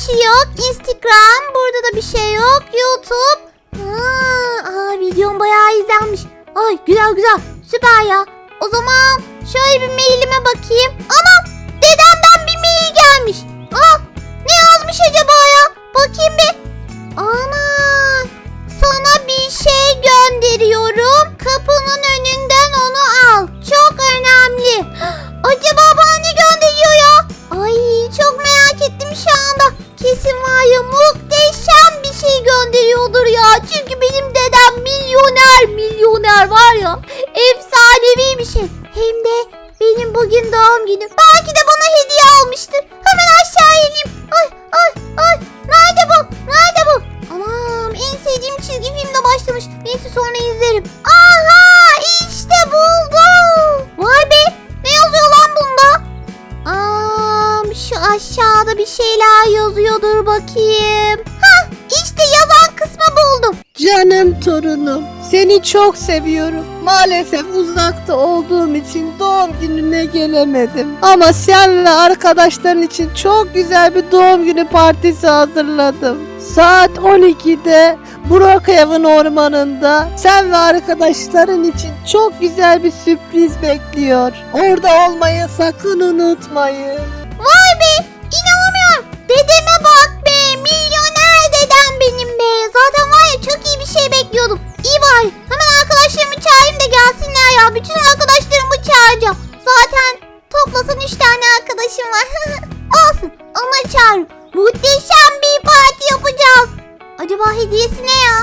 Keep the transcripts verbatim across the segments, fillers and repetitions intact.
şey yok. Instagram. Burada da bir şey yok. YouTube. Ha, aa, videom bayağı izlenmiş. Ay güzel güzel. Süper ya. O zaman şöyle bir mailime bakayım. Anam, dedemden bir mail gelmiş. Aa, ne yazmış acaba ya? Bakayım bir. Ana, sana bir şey gönderiyorum. Kapının önünden onu al. Çok önemli. Acaba bana ne gönderiyor ya? Ay çok merak ettim şu anda. Kesin var ya, muhteşem bir şey gönderiyordur ya. Çünkü benim dedem milyoner milyoner var ya. Efsanevi bir şey. Hem de benim bugün doğum günüm. Belki de bana hediye almıştır. Hemen aşağı ineyim. Ay ay ay. Nerede bu? Nerede bu? Anam, en sevdiğim çizgi filmde başlamış. Neyse sonra izlerim. Aha, işte buldum. Vay be. Ne yazıyor lan bunda? Aa, şu aşağıda bir şeyler yazıyordur, bakayım. Hah, işte yazan kısmı buldum. Canım torunum, seni çok seviyorum. Maalesef uzakta olduğum için doğum gününe gelemedim. Ama sen ve arkadaşların için çok güzel bir doğum günü partisi hazırladım. Saat on ikide Brookhaven ormanında sen ve arkadaşların için çok güzel bir sürpriz bekliyor. Orada olmayı sakın unutmayın. Vay be, inanamıyorum. Dedeme bak be, milyoner dedem benim be. Zaten var ya, çok iyi bir şey bekliyordum. İyi bari, hemen arkadaşlarımı çağırayım da gelsinler ya. Bütün arkadaşlarımı çağıracağım. Zaten toplasan üç tane arkadaşım var. Olsun, onları çağırırım. Muhteşem bir parti yapacağız. Acaba hediyesi ne ya?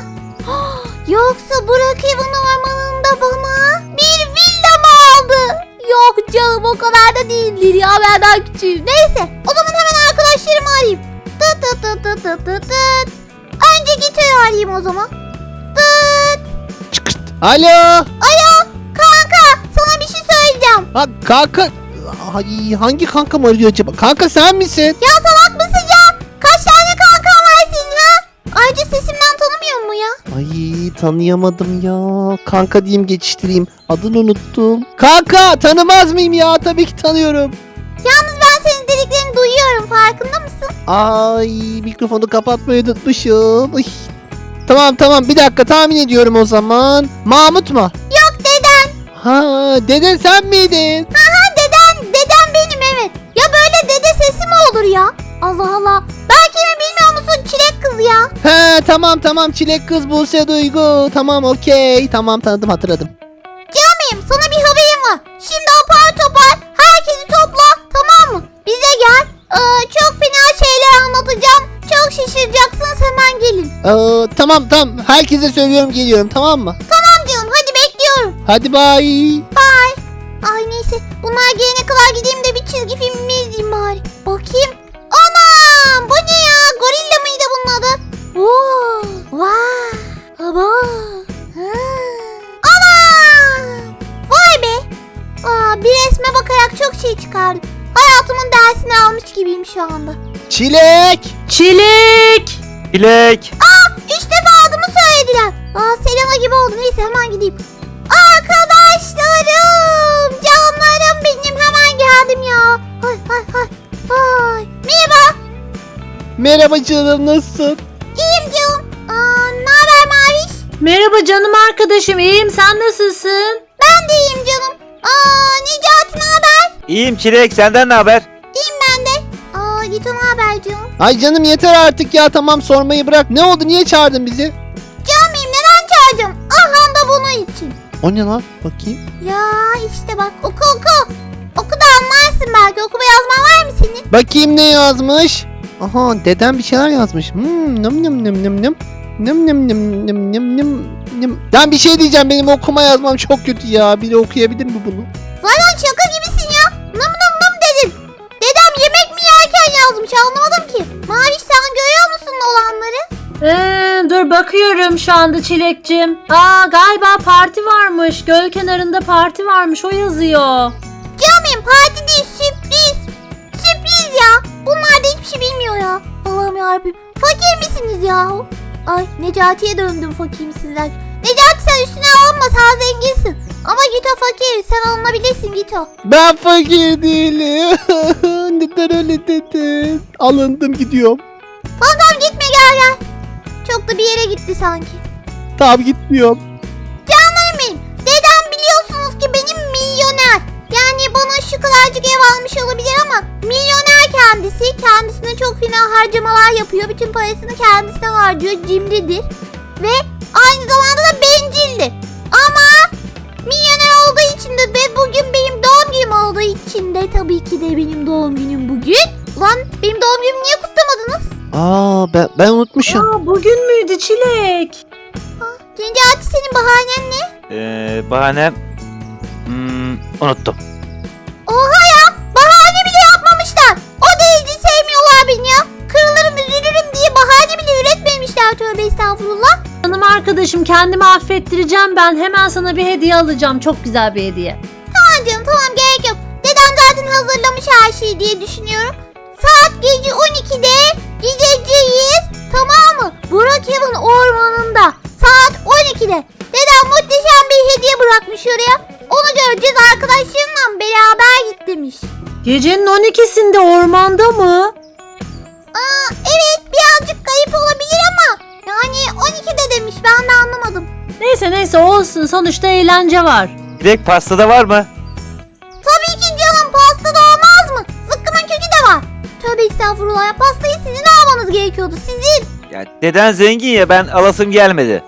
Yoksa Brookhaven ormanında bana bir villa mı aldı? Yok canım, o kadar da değildir ya, ben daha küçüğüm. Neyse, o zaman hemen arkadaşlarımı arayayım. Tıt tıt tıt tıt tıt tıt tıt. Önce Gito'yu arayayım o zaman. Tıt. Çıkırt. Alo. Alo kanka, sana bir şey söyleyeceğim. Ha, kanka. Ay, hangi kankam arıyor acaba? Kanka sen misin? Ya salak mısın ya? Kaç tane kankan var senin ha? Ayrıca sesimden tanımıyor mu ya? Ay, tanıyamadım ya. Kanka diyeyim, geçiştireyim. Adını unuttum. Kanka, tanımaz mıyım ya? Tabii ki tanıyorum. Yalnız ben senin dediklerini duyuyorum, farkında mısın? Ay, mikrofonu kapatmayı unutmuşum. Uy. Tamam tamam, bir dakika, tahmin ediyorum o zaman. Mahmut mu? Yok, deden. Ha, deden sen miydin? Aha, deden, deden benim, evet. Ya böyle dede sesi mi olur ya? Allah Allah. Belki mi, bilmiyor musun, çilek kız ya? He, tamam tamam, çilek kız Buse Duygu. Tamam, okey. Tamam, tanıdım, hatırladım. Canım, sana bir haberim var. Şimdi apar topar herkesi topla, tamam mı? Bize gel. Ee, çok fena şeyler anlatacağım. Çok şaşıracaksınız, hemen gelin. Ee, tamam tamam, herkese söylüyorum, geliyorum, tamam mı? Tamam canım, hadi bekliyorum. Hadi bye. Bye. Ay neyse, bunlar gelene kadar gideyim de bir çizgi filmimi izleyeyim bari. Bakayım. Anam, bu ne ya? Gorilla mıydı bunun adı? Oo, vay. Aba. Ha. Anam. Vay be. Aa, bir resme bakarak çok şey çıkardım. Hayatımın dersini almış gibiyim şu anda. Çilek. Çilek! Çilek! Aa, üç defa adımı söylediler. Aa, Selena gibi oldu. Neyse, hemen gideyim. Arkadaşlarım, canlarım benim, hemen geldim ya. Hay hay hay. Hay. Merhaba. Merhaba canım, nasılsın? İyiyim canım. Aa, ne haber Maviş? Merhaba canım arkadaşım, iyiyim, sen nasılsın? Ben de iyiyim canım. Aa, Necati ne haber? İyiyim Çilek, senden ne haber? İyiyim ben de. Aa, Gito ne haber canım? Ay canım, yeter artık ya, tamam, sormayı bırak. Ne oldu, niye çağırdın bizi? Canım, neden çağırdım? Aha da bunun için. O ne lan, bakayım. Ya işte bak, oku oku. Oku da anlarsın belki. Okuma yazman var mı senin? Bakayım ne yazmış. Aha, dedem bir şeyler yazmış. Hmm, nım nım nım nım nım. Nım nım nım nım nım nım nım. Ben bir şey diyeceğim, benim okuma yazmam çok kötü ya. Biri okuyabilir mi bunu? Zaten şaka gibisin ya. Nım nım nım dedin. Dedem yemek mi yerken yazmış, anlamadım ki. Maviş, sen görüyor musun olanları? Ee, dur bakıyorum şu anda Çilek'cim. Aa, galiba parti varmış. Göl kenarında parti varmış, o yazıyor. Canım, parti değil, sürpriz. Sürpriz ya. Bunlar da hiçbir şey bilmiyor ya. Allah'ım yarabbim. Fakir misiniz ya? Ay, Necati'ye döndüm fakir misiniz? Necati, sen üstüne alınma, sen zenginsin. Ama Gito fakir, sen alınabilirsin Gito. Ben fakir değilim. Neden öyle dedin? Alındım, gidiyorum. Tamam tamam gitme gel gel. Çok da bir yere gitti sanki. Tamam gitmiyorum. Canlarım benim. Dedem biliyorsunuz ki benim milyoner. Yani bana şu kadarcık ev almış olabilir ama milyoner kendisi. Kendisine çok fena harcamalar yapıyor. Bütün parasını kendisine harcıyor. Cimridir. Ve aynı zamanda da bencildir. Ama milyoner olduğu için de ve bugün benim doğum günüm olduğu için de tabii ki de benim doğum günüm bugün. Ulan benim doğum günümü niye kutlamadınız? Aa ben, ben unutmuşum. Aa, bugün müydü Çilek? Necati senin bahanen ne? Ee, bahanem... Hmm, unuttum. Oha ya! Bahane bile yapmamışlar. O derece sevmiyorlar beni ya. Kırılırım üzülürüm diye bahane bile üretmemişler, tövbe estağfurullah. Hanım arkadaşım, kendimi affettireceğim ben. Hemen sana bir hediye alacağım. Çok güzel bir hediye. Tamam canım tamam, gerek yok. Dedem zaten hazırlamış her şeyi diye düşünüyorum. Saat gece on ikide gideceğiz. Tamam mı? Brookhaven ormanında. Saat on ikide. Dedem muhteşem bir hediye bırakmış oraya. Onu göreceğiz, arkadaşlarımla beraber git demiş. Gecenin on ikisinde ormanda mı? Aa, evet birazcık kayıp olabilir ama yani on ikide demiş, ben de anlamadım. Neyse neyse olsun. Sonuçta eğlence var. Çilek pastada var mı? Tabii ki canım, pasta da olmaz mı? Zıkkımın kökü de var. Tövbe estağfurullah ya, pastayı sizin almanız gerekiyordu, sizin. Ya deden zengin ya, ben alasım gelmedi.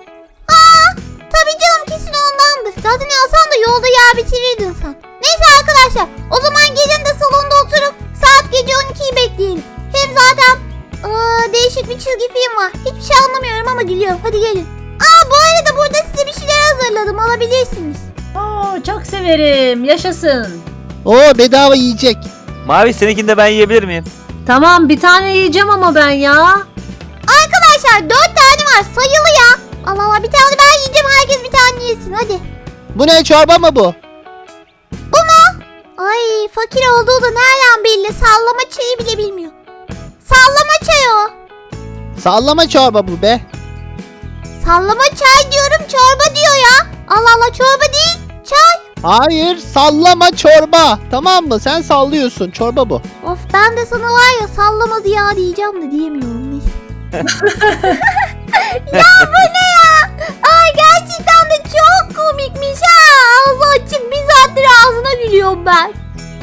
Tabii canım, kesin ondandır. Zaten alsan da yolda yer bitirirdin sen. Neyse arkadaşlar, o zaman gelin de salonda oturup saat gece on ikiyi bekleyelim. Hem zaten aa, değişik bir çizgi film var. Hiçbir şey anlamıyorum ama gülüyorum. Hadi gelin. Aa, bu arada burada size bir şeyler hazırladım, alabilirsiniz. Oo, çok severim. Yaşasın. Oo bedava yiyecek. Mavi, seninkini de ben yiyebilir miyim? Tamam, bir tane yiyeceğim ama ben ya. Arkadaşlar dört tane var, sayılı ya. Allah Allah, bir tane ben yiyeceğim, herkes bir tane yesin hadi. Bu ne, çorba mı bu? Ay, fakir olduğu da nereden belli, sallama çayı bile bilmiyor. Sallama çayı o. Sallama çorba bu be. Sallama çay diyorum, çorba diyor ya. Allah Allah, çorba değil, çay. Hayır, sallama çorba. Tamam mı? Sen sallıyorsun. Çorba bu. Of, ben de sana var ya sallamadı ya diyeceğim de diyemiyorum, neyse. Ya bu ne ya? Ay gerçekten de çok komikmiş ha. Ağzı açık bir saattir ağzına gülüyorum ben.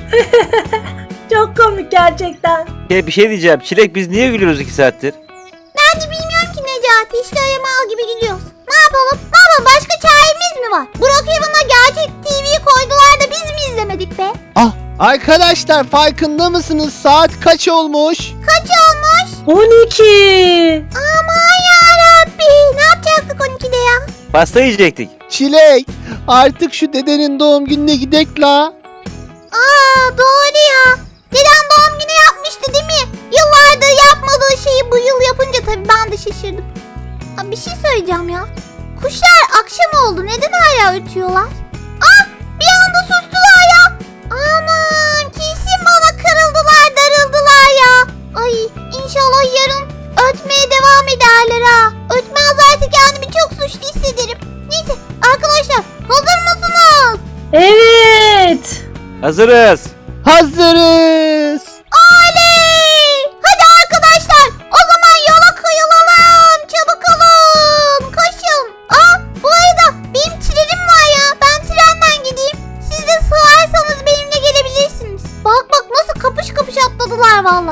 Çok komik gerçekten. Şey, bir şey diyeceğim. Çilek, biz niye gülüyoruz iki saattir? Ben de bilmiyorum ki Necati, işte öyle mal gibi gülüyoruz. Ne yapalım? Ne yapalım? Başka çaremiz mi var? Brookhaven'a gerçek T V koydular da biz mi izlemedik be? Ah, arkadaşlar farkında mısınız? Saat kaç olmuş? Kaç olmuş? on iki. Aman yarabbi. Ne yapacaktık on ikide ya? Pasta yiyecektik. Çilek, artık şu dedenin doğum gününe gidek la. Aa, doğru ya. Dedem doğum günü yapmıştı değil mi? Yıllardır yapmadığı şeyi bu yıl yapınca tabii ben de şaşırdım. Aa, bir şey söyleyeceğim ya. Kuşlar akşam oldu. Neden hala ötüyorlar? Ah, bir anda sustular ya. Aman, kesin bana kırıldılar, darıldılar ya. Ay, inşallah yarın ötmeye devam ederler ha. Ötmezlerse kendimi çok suçlu hissederim. Neyse arkadaşlar, hazır mısınız? Evet. Hazırız. Hazırız. Oley! Hadi arkadaşlar, o zaman yola koyulalım. Çabuk olun, koşun. Aa, bu arada benim trenim var ya. Ben trenden gideyim. Siz de sığarsanız benimle gelebilirsiniz. Bak bak nasıl kapış kapış atladılar valla.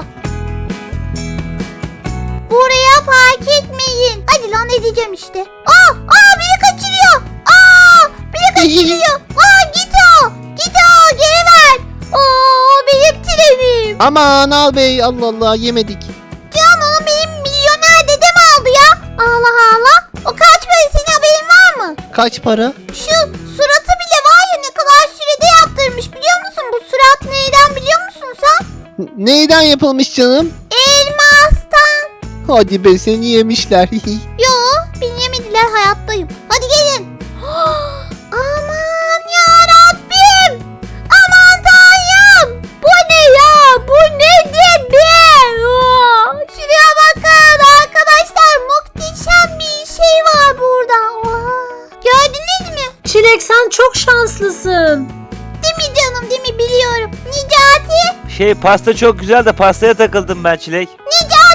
Buraya park etmeyin. Hadi lan, edeceğim işte. Aa, aa biri kaçırıyor. Aa, biri kaçırıyor. Aa, git o. Git o, geri ver. Oo, benim trenim. Aman al bey, Allah Allah, yemedik. Can, onu benim milyoner dedem aldı ya. Allah Allah. O kaç para, senin haberin var mı? Kaç para? Şu suratı bile var ya, ne kadar sürede yaptırmış biliyor musun? Bu surat neyden biliyor musun sen? N- Neyden yapılmış canım? Elmastan. Hadi be, seni yemişler. Yo, beni yemediler, hayattayım. Hadi gelin. Aman yarabbim. Aman Tanrım. Bu ne ya? Bu nedir be? Oo, şuraya bakın arkadaşlar. Muhteşem bir şey var burada. Oha. Gördünüz mü? Çilek, sen çok şanslısın. Değil mi canım, değil mi, biliyorum. Necati. Şey, pasta çok güzel de pastaya takıldım ben Çilek. Necati.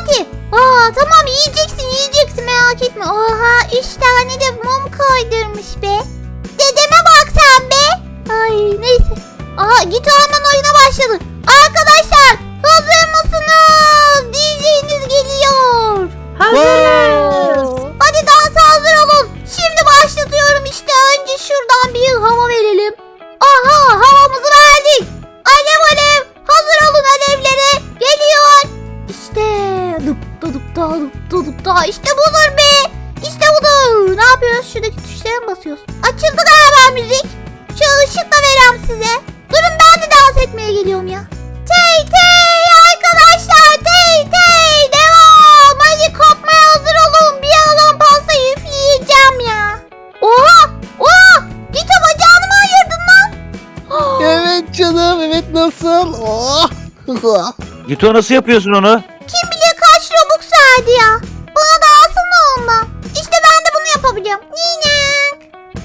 Aa tamam yiyeceksin yiyeceksin merak etme. Oha üç tane de mum koydurmuş be. Dedeme bak sen be. Ay neyse. Aha git hemen oyuna başladı. Arkadaşlar hazır mısınız? D J'niz geliyor. Hazırız. Hadi dansa hazır olun. Şimdi başlatıyorum işte. Önce şuradan bir hava verelim. Aha havamızı verdik. Alev alev. Hazır olun alevlere. Geliyor. İşte dıp da dıp da dıp da dıp da. İşte budur be. İşte budur. Ne yapıyoruz? Şuradaki tuşlara mı basıyoruz? Açıldı galiba müzik. Şu ışıkla verem size. Durun ben de dans etmeye geliyorum ya. Tey tey arkadaşlar tey tey devam. Hadi kopmaya hazır olun. Bir yalan pastayı üfleyeceğim ya. Oha oha git o bacağını mı ayırdın lan? Evet canım evet nasıl? Oh. Gito nasıl yapıyorsun onu? Kim bilir kaç robux verdi ya. Bana da alsana onunla. İşte ben de bunu yapabiliyorum. Ninek.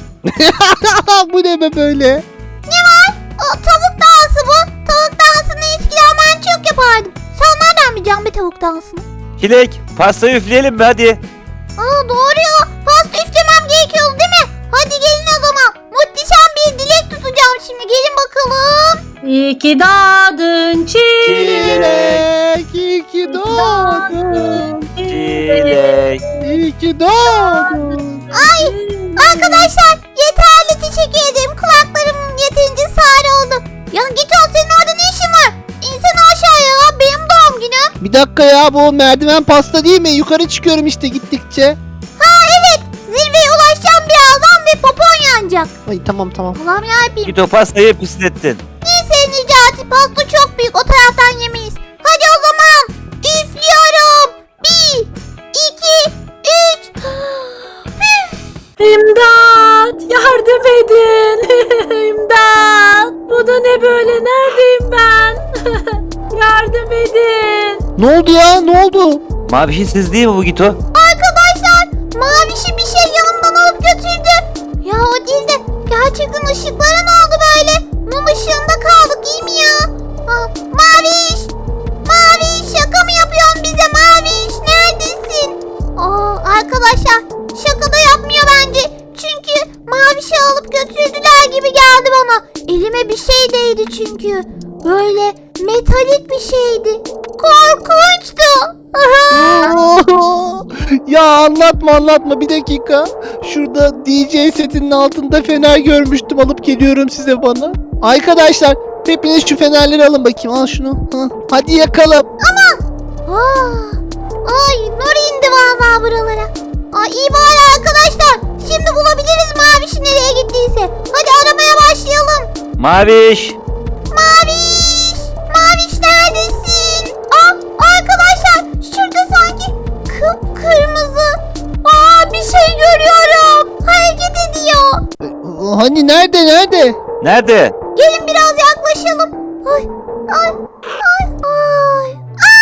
Bu ne be böyle? O tavuk dansı bu. Tavuk dansını eskiden ben çok yapardım. Sen nereden bileceksin be tavuk dansını? Çilek pastayı üfleyelim mi hadi? Aa doğru ya. Pasta üflemem gerekiyordu değil mi? Hadi gelin o zaman. Muhteşem bir dilek tutacağım şimdi. Gelin bakalım. İyi ki doğdun Çilek. Çilek iyi ki doğdun. Çilek. İyi ki doğdun. Ay arkadaşlar yeterli teşekkür ederim. Kulaklarım yeterince sağır oldu. Ya git ol senin orada ne işin var? İnsene aşağıya ya. Benim doğum günüm. Bir dakika ya bu merdiven pasta değil mi? Yukarı çıkıyorum işte gittikçe. Ha evet. Zirveye ulaşacağım birazdan ve popon yanacak. Ay tamam tamam. Allah'ım yarabbim. Gito pastayı pislettin. Neyse Necati pasta çok büyük o taraftan yemeyiz. Hadi o zaman üflüyorum. Bir, iki, üç. İmdat! Yardım edin! İmdat! Bu da ne böyle? Neredeyim ben? Yardım edin! Ne oldu ya ne oldu? Mavişin siz değil mi bu Gito? Arkadaşlar mavişi bir şey yanımdan alıp götürdü. Ya o değil de gerçekten ışıklara ne oldu böyle? Mum ışığında kaldık iyi mi ya? Ah, maviş! Maviş şaka mı yapıyorsun bize maviş? Neredesin? Aa, arkadaşlar şaka da yapmıyor bence. Çünkü mavişi alıp götürdüler gibi geldi bana. Elime bir şey değdi çünkü. Böyle metalik bir şeydi. Korkunçtu. Ya anlatma anlatma bir dakika. Şurada D J setinin altında fener görmüştüm alıp geliyorum size bana. Arkadaşlar hepiniz şu fenerleri alın bakayım al şunu. Hı. Hadi yakalım. Aa, ay nur indi vallahi buralara. Ay iyi bari arkadaşlar. Şimdi bulabiliriz Maviş'i nereye gittiyse. Hadi aramaya başlayalım. Maviş. Maviş! Maviş neredesin? Aa arkadaşlar şurada sanki kıpkırmızı. Aa bir şey görüyorum. Hareket ediyor. Hani nerede nerede? Nerede? Gelin biraz yaklaşalım. Ay ay ay ay.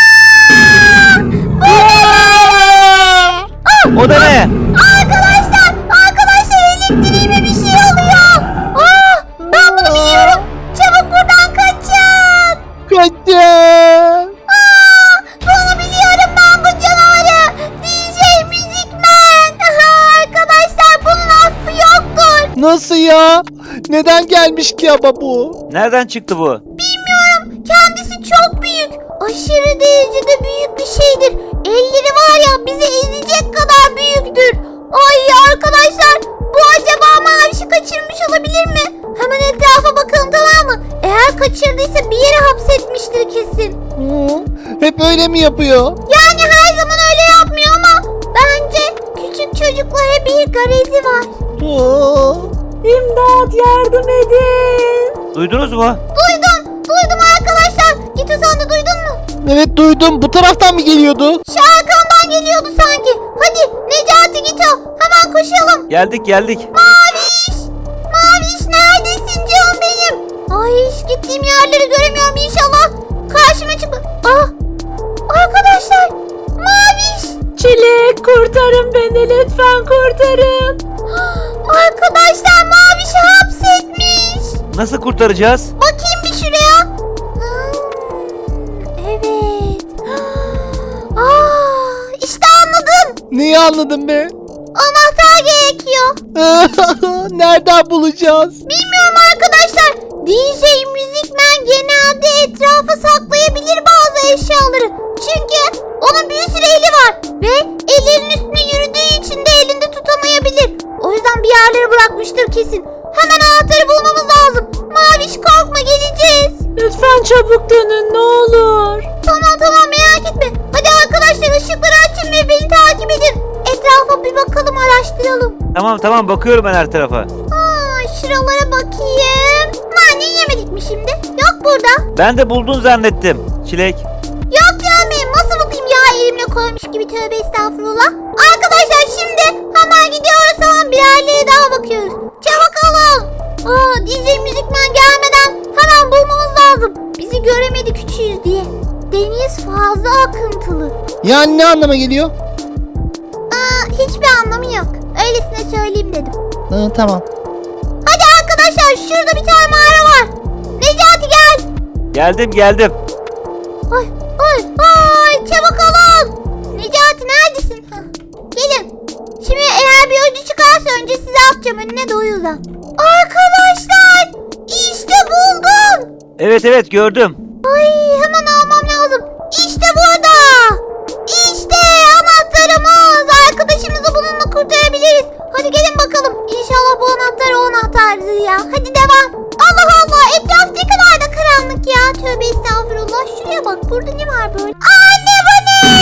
O da ne? Arkadaşlar, arkadaşlar elektriğime bir şey oluyor. Aa, ben bunu biliyorum. Çabuk buradan kaçın. Kaçın. Aa, bunu biliyorum ben bu canavarı. D J Müzikmen. Aha, arkadaşlar bunun affı yoktur. Nasıl ya? Neden gelmiş ki ama bu? Nereden çıktı bu? Bilmiyorum. Kendisi çok büyük. Aşırı derecede büyük bir şeydir. Elleri var ya bizi ezecek kadar büyüktür. Ay arkadaşlar bu acaba Maviş'i kaçırmış olabilir mi? Hemen etrafa bakalım tamam mı? Eğer kaçırdıysa bir yere hapsetmiştir kesin. Hı, hep öyle mi yapıyor? Yani her zaman öyle yapmıyor ama bence küçük çocuklara bir garezi var. Hı. İmdat yardım edin! Duydunuz mu? Duydum, duydum arkadaşlar. Gito sen de duydun mu? Evet duydum. Bu taraftan mı geliyordu? Şu arkamdan geliyordu sanki. Hadi Necati Gito hemen koşalım. Geldik geldik. Maviş! Maviş neredesin canım benim? Ay hiç gittiğim yerleri göremiyorum inşallah. Karşıma çıkma. Ah! Arkadaşlar! Maviş! Çilek kurtarın beni lütfen kurtarın! Arkadaşlar Maviş'i hapsetmiş. Nasıl kurtaracağız? Bakayım bir şuraya. Hmm, evet. Aa, anladın be? Anahtar gerekiyor. Nereden bulacağız? Bilmiyorum arkadaşlar. D J Müzikmen genelde etrafa saklayabilir bazı eşyaları. Çünkü onun bir sürü eli var. Ve ellerin üstüne yürüdüğü için de elinde tutamayabilir. O yüzden bir yerlere bırakmıştır kesin. Hemen anahtarı bulmamız lazım. Maviş korkma, geleceğiz. Lütfen çabuk dönün ne olur. Tamam tamam, merak etme. Hadi arkadaşlar, ışıkları açın ve beni takip edin. Etrafa bir bakalım, araştıralım. Tamam tamam bakıyorum ben her tarafa. Aa, şuralara bakayım. Nane yemedik mi şimdi? Yok burada. Ben de buldun zannettim. Çilek. Yok canım, nasıl bakayım ya, elimle koymuş gibi, tövbe estağfurullah. Arkadaşlar şimdi hemen gidiyoruz, tamam, bir yerlere daha bakıyoruz. Çabuk olun. Aa, D J Müzikmen gelmeden hemen bulmamız lazım. Bizi göremedi küçüğüz diye. Deniz fazla akıntılı. Yani ne anlama geliyor? Aa, hiçbir anlamı yok. Öylesine söyleyeyim dedim. Ha, tamam. Hadi arkadaşlar, şurada bir tane mağara var. Necati gel. Geldim geldim. Ay ay ay, çabuk olun. Necati neredesin? Hah, gelin. Şimdi eğer bir ödü çıkarsa önce size atacağım önüne, de o yüzden. Arkadaşlar işte buldum. Evet evet gördüm. Ay, hemen almam lazım. İşte burada. İşte anahtarımız. Arkadaşımızı bununla kurtarabiliriz. Hadi gelin bakalım. İnşallah bu anahtar o anahtardır ya. Hadi devam. Allah Allah, etraf ne kadar da karanlık ya. Tövbe estağfurullah. Şuraya bak, burada ne var böyle? Anne, bu ne?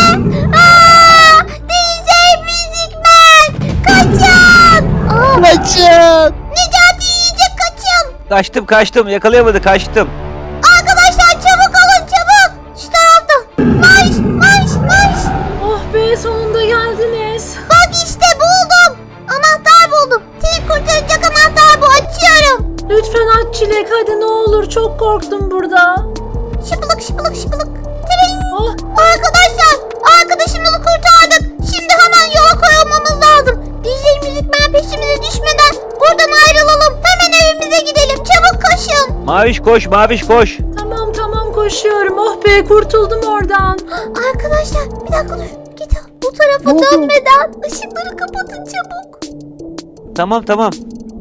Aa, D J Müzikmen. Kaçın. Aa, Kaçın. Necati yiyecek, kaçın. Kaçtım kaçtım yakalayamadı kaçtım. Arkadaşlar çabuk olun, çabuk. Şu tarafta. Marş marş marş. Oh be, sonunda geldiniz. Bak işte buldum. Anahtar buldum. Seni kurtaracak anahtar bu. Açıyorum. Lütfen aç Çilek hadi ne olur, çok korktum burada. Şıpılık şıpılık şıpılık. Tring. Oh, Arkadaşlar, arkadaşımızı kurtardık. Şimdi hemen yola koyulmamız lazım. D J Müzikmen peşimize düşmeden buradan ayrılalım. Hemen evimize gidelim. Çabuk koşun. Maviş koş maviş koş. tamam tamam koşuyorum. Oh be, kurtuldum oradan. Arkadaşlar bir dakika dur. Git bu tarafa Ne oldu? dönmeden ışıkları kapatın çabuk. Tamam tamam.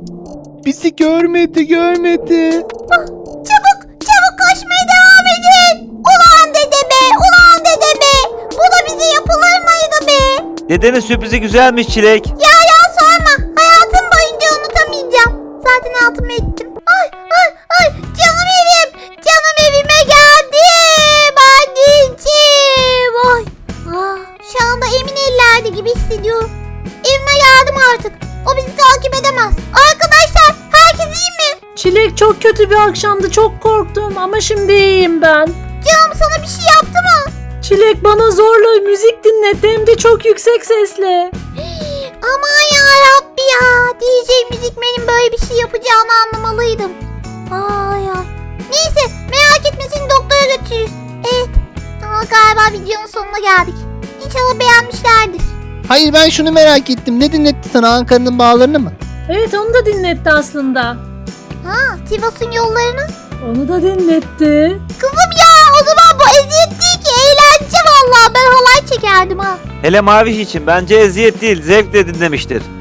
Bizi görmedi görmedi. Ah, çabuk çabuk koşmaya devam edin. Ulan dede be, ulan dede be. Bu da bize yapılır mıydı be? Dedenin sürprizi güzelmiş Çilek. Ya ya sorma. Hayatım boyunca unutamayacağım. Zaten altımı ettim. Ay ay ay, canım evim. Canım evime geldim. Anneciğim. Ay. Ah, şu anda emin ellerde gibi hissediyorum. Evime geldim artık. O bizi takip edemez. Arkadaşlar, herkes iyi mi? Çilek, çok kötü bir akşamdı, çok korktum ama şimdi iyiyim ben. Canım sana bir şey yaptı mı? Çilek bana zorla müzik dinletti, hem de çok yüksek sesle. Aman ya Rabbi ya. D J Müzikmen'in böyle bir şey yapacağını anlamalıydım. Ay ay. Neyse, merak etme, seni doktora götürürüz. Evet. Aa, galiba videonun sonuna geldik. İnşallah beğenmişlerdir. Hayır, ben şunu merak ettim. Ne dinletti sana, Ankara'nın bağlarını mı? Evet, onu da dinletti aslında. Ha, Sivas'ın yollarını. Onu da dinletti. Kızım ya, o zaman bu eziyet değil ki, eğlence vallahi. Ben halay çekerdim ha. Hele Maviş için bence eziyet değil zevkle dinlemiştir.